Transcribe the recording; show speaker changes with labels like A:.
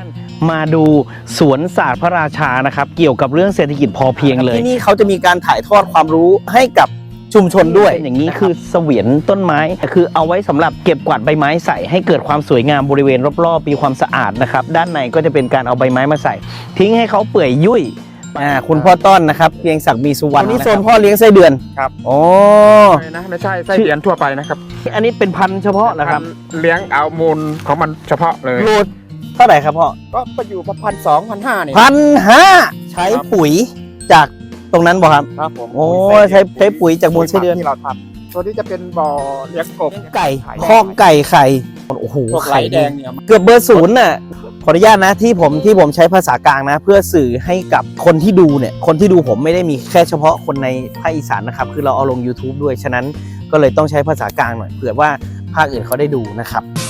A: มาดูสวนศาสตร์พระราชานะครับเกี่ยวกับเรื่องเศรษฐกิจพอเพียงเลยที่นี่เขาจะมีการถ่ายทอดความรู้ให้กับชุมชนด้วยอย่างนี้คือเสวียนต้นไม้คือเอาไว้สำหรับเก็บกวาดใบไม้ใส่ให้เกิดความสวยงามบริเวณรอบๆมีความสะอาดนะครับด้านในก็จะเป็นการเอาใบไม้มาใส่ ทิ้งให้เขาเปื่อยยุ่ยคุณพ่อต้อนนะครับเพียงศักดิ์มีสุวรรณนี่โซนพ่อเลี้ยงไส้เดือน
B: ครับ
A: โอ้
B: ไม่ใช่ไส้เดือนทั่วไปนะครับ
A: อันนี้เป็นพันธุ์เฉพาะนะครับ
B: เลี้ยงเอามูลของมันเฉพาะเลย
A: โลเท่าไหร่ครับพ่อ
B: ก็ไปอยู่ประมาณ1,200-1,500นี่
A: 1,500ใช้ปุ๋ยจากตรงนั้นบ่ครับ
B: ครับผม
A: โอ้ใช้ปุ๋ยจากมูลไส้เดือน
B: ที่เราทำตัวนี้จะเป็นบ่อเลี้ยงกบ
A: ไก่คอกไก่ไข่โอ้โห
B: พวกไหล
A: ไข่
B: แด
A: แด
B: ง
A: ง
B: เนี่ย
A: เกือบเบอร์ศูนย์น่ะขออนุญาตนะที่ผมใช้ภาษากลางนะ เพื่อสื่อให้กับคนที่ดูเนี่ยคนที่ดูผมไม่ได้มีแค่เฉพาะคนในภาคอีสานนะครับคือเราเอาลง YouTube ด้วยฉะนั้นก็เลยต้องใช้ภาษากลางหน่อยเผื่อว่าภาคอื่นเขาได้ดูนะครับ